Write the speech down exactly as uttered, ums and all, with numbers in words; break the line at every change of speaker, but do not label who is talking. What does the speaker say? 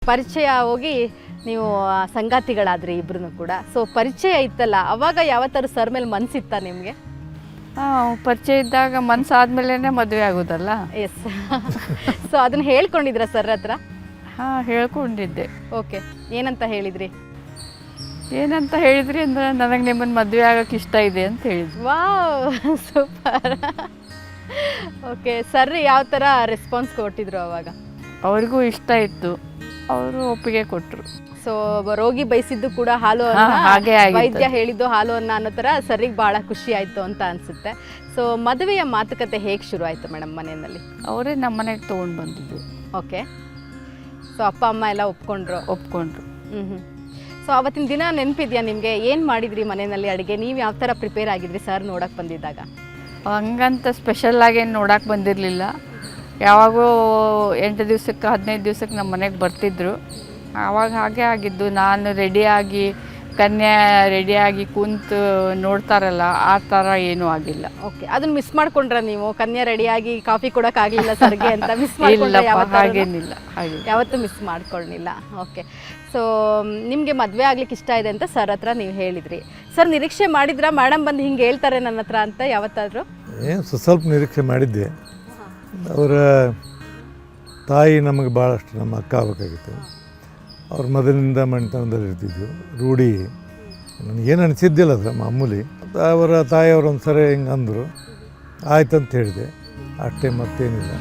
ಪರಿಚಯ ಹೋಗಿ ನೀವು ಸಂಗಾತಿಗಳಾದ್ರಿ ಇಬ್ರು ಕೂಡ. ಸೊ ಪರಿಚಯ ಇತ್ತಲ್ಲ, ಅವಾಗ ಯಾವತ್ತಾರು ಸರ್ ಮೇಲೆ ಮನಸ್ಸಿತ್ತಾ ನಿಮಗೆ?
ಹಾಂ, ಪರಿಚಯ ಇದ್ದಾಗ ಮನಸ್ಸಾದ್ಮೇಲೆ ಮದುವೆ ಆಗೋದಲ್ಲ.
ಎಸ್. ಸೊ ಅದನ್ನ ಹೇಳ್ಕೊಂಡಿದ್ರ ಸರ್ ಹತ್ರ?
ಹಾಂ, ಹೇಳ್ಕೊಂಡಿದ್ದೆ.
ಓಕೆ, ಏನಂತ ಹೇಳಿದ್ರಿ?
ಏನಂತ ಹೇಳಿದ್ರಿ ಅಂದರೆ, ನನಗೆ ನಿಮ್ಮನ್ನು ಮದುವೆ ಆಗೋಕ್ಕೆ ಇಷ್ಟ ಇದೆ ಅಂತ ಹೇಳಿದ್ವಿ.
Wow, super. ಓಕೆ, ಸರ್ ಯಾವ ಥರ ರೆಸ್ಪಾನ್ಸ್ ಕೊಟ್ಟಿದ್ರು ಅವಾಗ?
ಅವ್ರಿಗೂ ಇಷ್ಟ ಇತ್ತು, ಅವರು ಒಪ್ಪಿಗೆ ಕೊಟ್ಟರು.
ಸೊ ರೋಗಿ ಬಯಸಿದ್ದು ಕೂಡ ಹಾಲು
ಹಾ, ಹಾಗೆ
ಅನ್ನ,
ಆಗಿತ್ತು.
ವೈದ್ಯ ಹೇಳಿದ್ದು ಹಾಲು ಅನ್ನ ಅನ್ನೋ ಥರ ಸರಿಗೆ ಭಾಳ ಖುಷಿ ಆಯಿತು ಅಂತ ಅನಿಸುತ್ತೆ. ಸೊ ಮದುವೆಯ ಮಾತುಕತೆ ಹೇಗೆ ಶುರು ಆಯಿತು ಮೇಡಮ್ ಮನೆಯಲ್ಲಿ?
ಅವರೇ ನಮ್ಮ ಮನೆಗೆ ತೊಗೊಂಡು ಬಂದಿದ್ದು.
ಓಕೆ, ಸೊ ಅಪ್ಪ ಅಮ್ಮ ಎಲ್ಲ ಒಪ್ಕೊಂಡ್ರು?
ಒಪ್ಕೊಂಡ್ರು.
ಹ್ಞೂ ಹ್ಞೂ ಸೊ ಅವತ್ತಿನ ದಿನ ನೆನಪಿದೆಯಾ ನಿಮಗೆ? ಏನು ಮಾಡಿದ್ರಿ ಮನೆಯಲ್ಲಿ ಅಡುಗೆ? ನೀವು ಯಾವ ಥರ ಪ್ರಿಪೇರ್ ಆಗಿದ್ರಿ ಸರ್ ನೋಡೋಕೆ ಬಂದಿದ್ದಾಗ?
ಹಂಗಂತ ಸ್ಪೆಷಲ್ಲಾಗಿ ಏನು ನೋಡೋಕೆ ಬಂದಿರಲಿಲ್ಲ. ಯಾವಾಗೋ ಎಂಟು ದಿವ್ಸಕ್ಕೆ ಹದಿನೈದು ದಿವ್ಸಕ್ಕೆ ನಮ್ಮ ಮನೆಗೆ ಬರ್ತಿದ್ರು. ಆವಾಗ ಹಾಗೆ ಆಗಿದ್ದು. ನಾನು ರೆಡಿಯಾಗಿ, ಕನ್ಯಾ ರೆಡಿಯಾಗಿ ಕುಂತು ನೋಡ್ತಾರಲ್ಲ, ಆ ಥರ ಏನೂ ಆಗಿಲ್ಲ.
ಓಕೆ, ಅದನ್ನ ಮಿಸ್ ಮಾಡ್ಕೊಂಡ್ರ ನೀವು? ಕನ್ಯಾ ರೆಡಿಯಾಗಿ ಕಾಫಿ ಕೊಡೋಕ್ಕಾಗಲಿಲ್ಲ ಸರ್ಗೆ ಅಂತ ಮಿಸ್ ಮಾಡ್ಕೊಂಡ್ರೆ?
ಹಾಗೇನಿಲ್ಲ, ಹಾಗೆ
ಯಾವತ್ತೂ ಮಿಸ್ ಮಾಡ್ಕೊಳ್ಳಿಲ್ಲ. ಓಕೆ, ಸೊ ನಿಮಗೆ ಮದುವೆ ಆಗ್ಲಿಕ್ಕೆ ಇಷ್ಟ ಇದೆ ಅಂತ ಸರ್ ಹತ್ರ ನೀವು ಹೇಳಿದ್ರಿ. ಸರ್ ನಿರೀಕ್ಷೆ ಮಾಡಿದ್ರಾ ಮೇಡಮ್ ಬಂದು ಹಿಂಗೆ ಹೇಳ್ತಾರೆ ನನ್ನ ಹತ್ರ ಅಂತ ಯಾವತ್ತಾದರೂ?
ಏನು ಸ್ವಲ್ಪ ನಿರೀಕ್ಷೆ ಮಾಡಿದ್ದೆ. ಅವರ ತಾಯಿ ನಮಗೆ ಭಾಳಷ್ಟು ನಮ್ಮ ಅಕ್ಕ ಆಗಬೇಕಾಗಿತ್ತು. ಅವ್ರ ಮೊದಲಿನಿಂದ ಮನೆತನದಲ್ಲಿ ಇರ್ತಿದ್ವು, ರೂಢಿ. ನನಗೇನು ಅನಿಸಿದ್ದಿಲ್ಲ ಅದು ಮಾಮೂಲಿ. ಅವರ ತಾಯಿಯವರು ಒಂದು ಸರಿ ಹಿಂಗೆ ಅಂದರು, ಆಯ್ತು ಅಂತ ಹೇಳಿದೆ ಅಷ್ಟೇ, ಮತ್ತೇನಿಲ್ಲ.